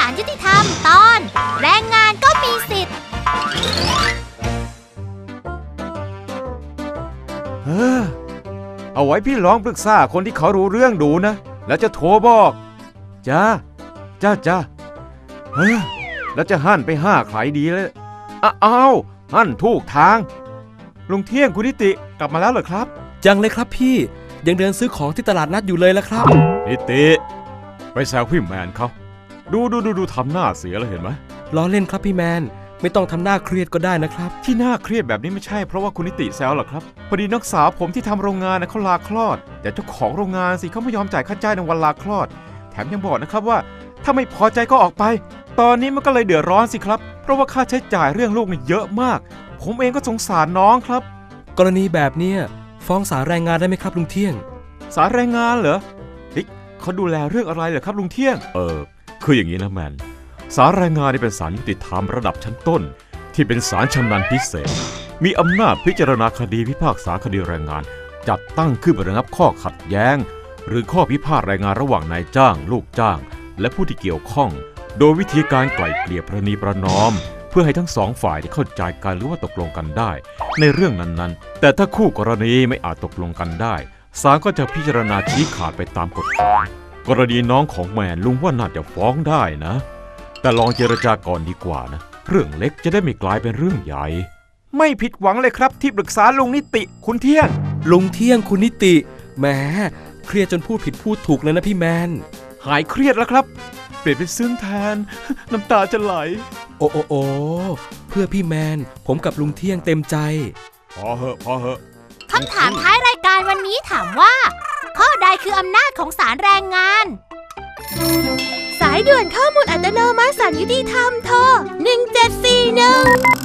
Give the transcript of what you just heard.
ลยุติธรรมตอนแรงงานก็มีสิทธิ์เอาไว้พี่ลองปรึกษาคนที่เขารู้เรื่องดูนะแล้วจะโทรบอกจ้าแล้วจะหั่นไปห้าใครดีเลยอ้าวหั่นถูกทางลุงเที่ยงคุณนิติกลับมาแล้วเหรอครับยังเลยครับพี่ยังเดินซื้อของที่ตลาดนัดอยู่เลยละครับนิติไปแซวพี่แมนเขาดูทำหน้าเสียแล้วเห็นไหมล้อเล่นครับพี่แมนไม่ต้องทำหน้าเครียดก็ได้นะครับที่หน้าเครียดแบบนี้ไม่ใช่เพราะว่าคุณนิติแซวหรอกครับพอดีนักสาวผมที่ทำโรงงานนะเขาลาคลอดแต่เจ้าของโรงงานสิเขาไม่ยอมจ่ายค่าจ้างในวันลาคลอดแถมยังบอกนะครับว่าถ้าไม่พอใจก็ออกไปตอนนี้มันก็เลยเดือดร้อนสิครับเพราะว่าค่าใช้จ่ายเรื่องลูกนี่เยอะมากผมเองก็สงสารน้องครับกรณีแบบนี้ฟ้องศาลแรงงานได้ไหมครับลุงเที่ยงศาลแรงงานเหรอเขาดูแลเรื่องอะไรเหรอครับลุงเที่ยงคืออย่างนี้นะแมนศาลแรงงานนี่เป็นศาลยุติธรรมระดับชั้นต้นที่เป็นศาลชำนาญพิเศษมีอำนาจพิจารณาคดีพิพากษาคดีแรงงานจัดตั้งขึ้นเพื่อระงับข้อขัดแย้งหรือข้อพิพาทแรงงานระหว่างนายจ้างลูกจ้างและผู้ที่เกี่ยวข้องโดยวิธีการไกล่เกลี่ยประนีประนอมเพื่อให้ทั้งสองฝ่ายได้เข้าใจกันหรือว่าตกลงกันได้ในเรื่องนั้นๆแต่ถ้าคู่กรณีไม่อาจตกลงกันได้ศาลก็จะพิจารณาชี้ขาดไปตามกฎหมายกรณีน้องของแมนลุงว่าน่าจะฟ้องได้นะแต่ลองเจรจาก่อนดีกว่านะเรื่องเล็กจะได้ไม่กลายเป็นเรื่องใหญ่ไม่ผิดหวังเลยครับที่ปรึกษาลุงนิติคุณเที่ยงลุงเที่ยงคุณนิติแหมเครียดจนพูดผิดพูดถูกเลยนะพี่แมนหายเครียดแล้วครับเปลี่ยนเป็นซึ้งแทนน้ำตาจะไหลโอ้เพื่อพี่แมนผมกับลุงเที่ยงเต็มใจพอเหอะคำถามท้ายรายการวันนี้ถามว่าข้อใดคืออำนาจของศาลแรงงานสายด่วนข้อมูลอัตโนมัติศาลยุติธรรมโทร1741